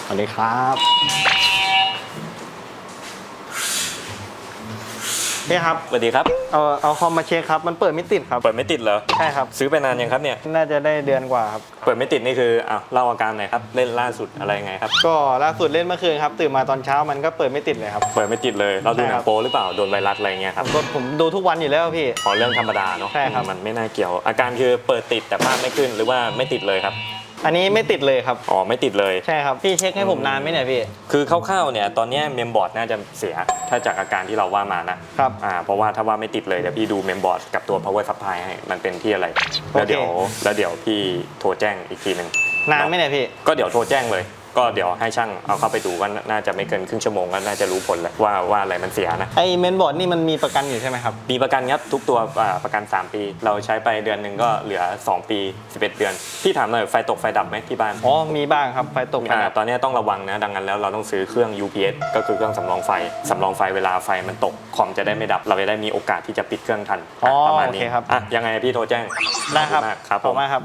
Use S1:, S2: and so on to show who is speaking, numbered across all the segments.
S1: สวัสดีครับพี่ครับ
S2: สวัสดีครับ
S1: เอาคอมมาเช็คครับมันเปิดไม่ติดครับ
S2: เปิดไม่ติดเหรอ
S1: ใช่ครับ
S2: ซื้อไปนานยังครับเนี่ย
S1: น่าจะได้เดือนกว่าครับ
S2: เปิดไม่ติดนี่คือเล่าอาการหน่อยครับเล่นล่าสุดอะไรยังไงครับ
S1: ก็ล่าสุดเล่นเมื่อคืนครับตื่นมาตอนเช้ามันก็เปิดไม่ติดเลยครับ
S2: เปิดไม่ติดเลยเราดูหนังโป๊หรือเปล่าโดนไวรัสอะไรเงี้ยครับ
S1: ผมดูทุกวันอยู่แล้วพี่
S2: ขอเรื่องธรรมดาเนาะ
S1: ใช่ครับ
S2: มันไม่น่าเกี่ยวอาการคือเปิดติดแต่ภาพไม่ขึ้นหรือว่าไม่ติดเลยครับ
S1: อันนี้ไม่ติดเลยครับ
S2: อ๋อไม่ติดเลย
S1: ใช่ครับพี่เช็คให้ผมนานไหมเนี่ยพี่
S2: คือคร่าวๆเนี่ยตอนนี้เมมบอร์ดน่าจะเสียถ้าจากอาการที่เราว่ามานะครับเพราะว่าถ้าว่าไม่ติดเลยเดี๋ยวพี่ดูเมมบอร์ดกับตัว power supply ให้มันเป็นที่อะไรแล้วเดี๋ยวพี่โทรแจ้งอีกทีนึง
S1: นานไหมเนี่ยพี่
S2: ก็เดี๋ยวโทรแจ้งเลยก็เดี๋ยวให้ช่างเอาเข้าไปดูก็น่าจะไม่เกินครึ่งชั่วโมงก็น่าจะรู้ผลแล้วว่าอะไรมันเสียนะ
S1: ไอเมนบอร์ดนี่มันมีประกันอยู่ใช่ไหมครับ
S2: มีประกันครับทุกตัวประกัน3ปีเราใช้ไปเดือนหนึ่งก็เหลือ2ปี11เดือนพี่ถามหน่อยไฟตกไฟดับไหมที่บ้าน
S1: อ๋อมีบ้างครับไฟตกไฟดับ
S2: ตอนนี้ต้องระวังนะดังนั้นแล้วเราต้องซื้อเครื่อง UPS ก็คือเครื่องสำรองไฟเวลาไฟมันตกคอมจะได้ไม่ดับเราจะได้มีโอกาสที่จะปิดเครื่องทันประมาณนี้
S1: ครับ
S2: ยังไงพี่โทรแจ้ง
S1: ได้ครับ
S2: ครับ
S1: ขอบคุณมากครับ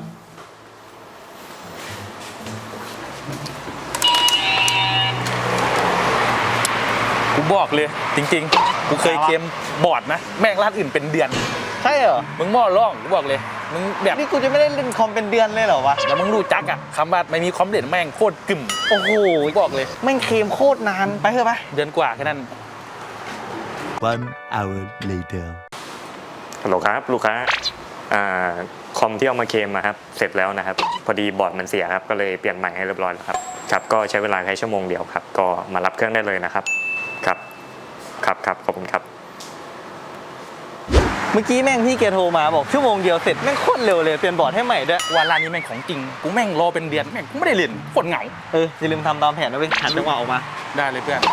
S3: กูบอกเลยจริงๆกูเคยเคลมบอร์ดนะแม่งร้านอื่นเป็นเดือน
S1: ใช่เหรอ
S3: มึงหม้อร่องกูบอกเลยมึงแบบ
S1: นี่กูจะไม่ได้เล่นคอมเป็นเดือนเลยเหรอวะ
S3: แล้วมึงรู้จักอะคำว่าไม่มีคอมเด่นแม่งโคตรกึ่ม
S1: โอ้โห
S3: บอกเลย
S1: แม่งเคลมโคตรนานไปเถอะไป
S3: เดือนกว่าแค่นั้น
S4: 1 hour later
S2: ฮัลโหลครับลูกค้าคอมที่เอามาเคลมครับเสร็จแล้วนะครับพอดีบอร์ดมันเสียครับก็เลยเปลี่ยนใหม่ให้เรียบร้อยแล้วครับก็ใช้เวลาแค่ชั่วโมงเดียวครับก็มารับเครื่องได้เลยนะครับครับขอบคุณครับ
S1: เมื่อกี้แม่งพี่แกโทรมาบอกชั่วโมงเดียวเสร็จแม่งโคตรเร็วเลยเปลี่ยนบอร์ดให้ใหม่ด้วย
S3: วันร้านนี้แม่งของจริงกูแม่งรอเป็นเดือนแม่งกูไม่ได้เล่นโคตรเหงา
S1: อย่าลืมทำตามแผนนะเว้ยหันจังหวะออกมา
S3: ได้เลยเพื่อน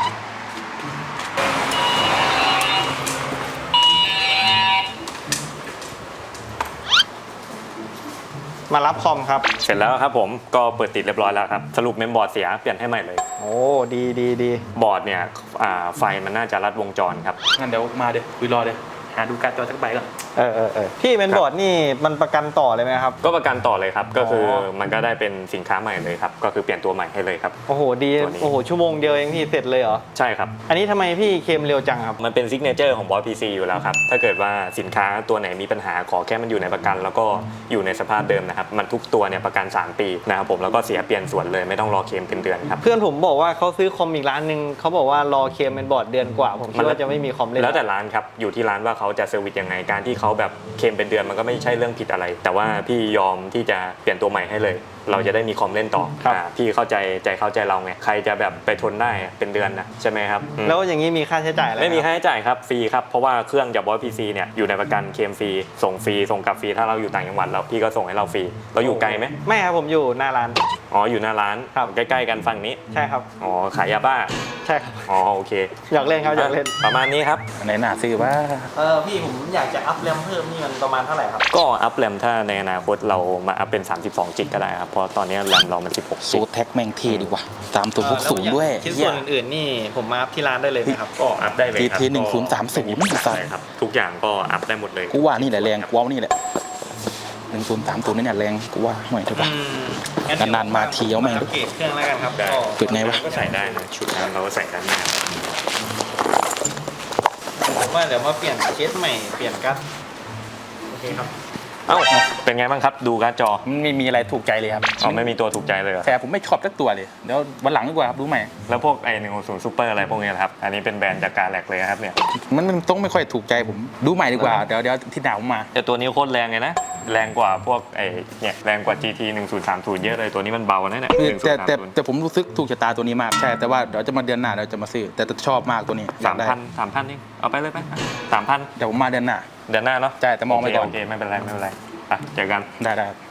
S1: มารับคอมครับ
S2: เสร็จแล้วครับผมก็เปิดติดเรียบร้อยแล้วครับสรุปเมมบอร์ดเสียเปลี่ยนให้ใหม่เลย
S1: โอ้ดี
S2: บอร์ดเนี่ยไฟมันน่าจะรัดวงจรครับ
S3: งั้นเดี๋ยวมาเดี๋ยวคุยรอเดี๋ยวหาดูการ์ดจอสักใบก่อน
S1: พี่เมนบอร์ดนี่มันประกันต่อเลยไหมครับ
S2: ก็ประกันต่อเลยครับก็คือมันก็ได้เป็นสินค้าใหม่เลยครับก็คือเปลี่ยนตัวใหม่ให้เลยครับ
S1: โอ้โหดีโอ้โหชั่วโมงเดียวเองพี่เสร็จเลยเหรอ
S2: ใช่ครับ
S1: อันนี้ทำไมพี่เคลมเร็วจังครับ
S2: มันเป็นซิกเนเจอร์ของบอส PC อยู่แล้วครับถ้าเกิดว่าสินค้าตัวไหนมีปัญหาขอแค่มันอยู่ในประกันแล้วก็อยู่ในสภาพเดิมนะครับมันทุกตัวเนี่ยประกัน3ปีนะครับผมแล้วก็เสียเปลี่ยนส่วนเลยไม่ต้องรอเคลมเป็นเดือนครับ
S1: เพื่อนผมบอกว่าเขาซื้อคอมอีกร้านนึงเขาบอกว่ารอเคลมเมนบอร์ดเดือนกว่าผมคิดว่าจะไม่มีคอมเล่น
S2: แล้วแต่ร้านครับอยู่ที่ร้านว่าเขาจะเซอร์วิสยังไงการที่เขาแบบเคลมเป็นเดือนมันก็ไม่ใช่เรื่องผิดอะไรแต่ว่าพี่ยอมที่จะเปลี่ยนตัวใหม่ให้เลยเราจะได้มีคอมเล่นต่อพี่เข้าใจเราไงใครจะแบบไปทนได้เป็นเดือนนะใช่ไหมครับ
S1: แล้วอย่างนี้มีค่าใช้จ่ายอะไร
S2: ไม่มีค่าใช้จ่ายครับฟรีครับเพราะว่าเครื่องจากบอส PC เนี่ยอยู่ในประกันเคลมฟรีส่งฟรีส่งกลับฟรีถ้าเราอยู่ต่างจังหวัดแล้วพี่ก็ส่งให้เราฟรีเราอยู่ไกลไหม
S1: ไม่ครับผมอยู่หน้าร้าน
S2: อ๋ออยู่หน้าร้านใกล้ๆกันฝั่งนี้
S1: ใช่ครับ
S2: อ๋อขายยาบ้า
S1: ใช่ครับ
S2: อ๋อโอเค
S1: อยากเล่นครับอยากเล่น
S2: ประมาณนี้ครับ
S3: ไหนหนาซื้อว่า
S1: พี่ผมอยากจะอัพแรมเพิ่มนี่มันประมาณเท่าไหร่ครับ
S2: ก็อัพแรมถ้าในอนาคตเรามาอัพเป็น32จิกก็ได้ครับเพราะตอนนี้แรมเรามัน16
S3: สูตรแท็กแม่งเท่ดีกว่าตามตัวพวกสูงด้วย
S1: ชิ้นส่วนอื่นๆนี่ผมมาอัพที่ร้านได้เลยไหมครับ
S2: ก็อัพได้เลยครับ
S3: GT 1030
S2: ใช่ครับทุกอย่างก็อัพได้หมดเลย
S3: กูว่านี่แหละแรงกูว่านี่แหละ1030นี่เนี่ยแรงกูว่าห่วยเถอะป่ะนานๆมาทีเอาแม่ง
S1: เกตเครื่องแล้วกันครับ
S3: เปิดไงวะ
S2: ก็ใส่ได้นะชุดนั้นเราก็ใส่ด้านหน้า
S1: ผมว่าเดี๋ยวมาเปลี่ยนเคสใหม่เปลี่ยนกั๊กโอเคครับ
S2: เอ้าเป็นไงบ้างครับดูการ์ดจอ
S3: ไม่มีอะไรถูกใจเลยครับ
S2: ไม่มีตัวถูกใจเลย
S3: แต่ผมไม่ชอบสักตัวเลยเดี๋ยววันหลังดีกว่าครับดูใหม่
S2: แล้วพวก160 Super อะไรพวกนี้ครับอันนี้เป็นแบรนด์จากการแลกเลยครับเนี่ย
S3: มันต้องไม่ค่อยถูกใจผมดูใหม่ดีกว่าเดี๋ยวที่ดาวมา
S2: แต่ตัวนี้โคตรแรงเลยนะแรงกว่าพวกเนี่ยแรงกว่า GT 1030เยอะเลยตัวนี้มันเบานะเนี่ย
S3: แต่ผมรู้สึกถูกชะตาตัวนี้มากใช่แต่ว่าเดี๋ยวจะมาเดือนหน้าเราจะมาซื้อแต่ชอบมากตัวนี้
S2: 3,000นี่เอาไปเลยไป3,000
S3: เดี๋ยวผมมาเดือนหน้า
S2: เนาะ
S3: ใช่แต่มองไปก่อน
S2: โอเคไม่เป็นไรไปเจอกัน
S3: ได้